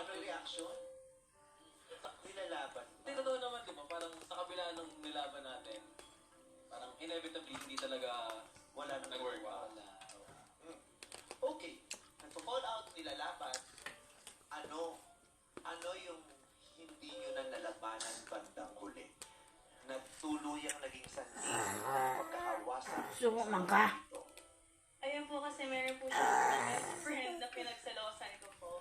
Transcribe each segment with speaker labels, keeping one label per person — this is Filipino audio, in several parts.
Speaker 1: Ano yung reaction? Nilalaban.
Speaker 2: Hindi, totoo naman, di ba? Parang sa kabila ng nilaban natin, parang inevitably hindi talaga
Speaker 1: Wala nang
Speaker 2: nag-work
Speaker 1: nagawa.
Speaker 2: out.
Speaker 1: Okay. Nagpo-fall out, nilalaban. Ano yung hindi nyo na nalabanan bandang huli? Nagtuluyang naging sanhi ng pagkakawasan.
Speaker 3: Sumo man ka.
Speaker 4: Ayun po kasi meron po siya best friend na pinagsalosan ko po.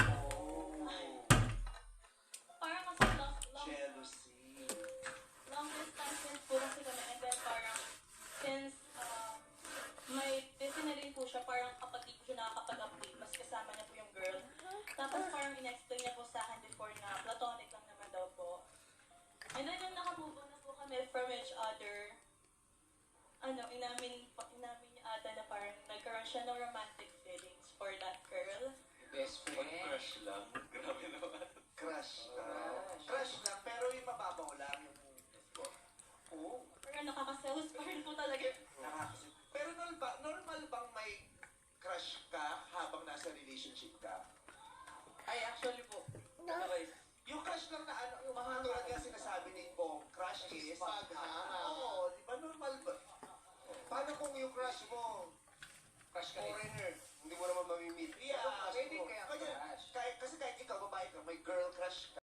Speaker 4: Parang kasi
Speaker 1: Jealousy.
Speaker 4: long distance po kasi kami and then parang since may busy na rin po siya, parang kapag di ko siya nakakapag-update, mas kasama niya po yung girl. Tapos parang in-explain niya po sa akin before na platonic lang naman daw po. And then nung nakamove on na po kami from each other, inamin niya ata na parang nagkaroon siya ng romantic feelings for that girl.
Speaker 2: Best friend.
Speaker 1: Crush lang. Grabe naman. Crush. Crush lang, pero yung mababaw lang yung... Oo.
Speaker 4: Pero nakakaselos pa rin po talaga.
Speaker 1: Nakakasip. Pero normal bang may crush ka habang nasa relationship ka?
Speaker 2: Ay, actually po. Okay.
Speaker 1: Yung crush lang na ano, yung mga tulad nga sinasabi ni Bong, crush is... Oo, di ba normal ba? Paano kung yung crush mo,
Speaker 2: Crush ka rin.
Speaker 1: foreigner, hindi mo naman mamimit? Yeah,
Speaker 2: Pwede
Speaker 1: mo.
Speaker 2: kaya
Speaker 1: Kaya-
Speaker 2: crush.
Speaker 1: Kasi kahit ikaw, babae ka, may girl crush ka.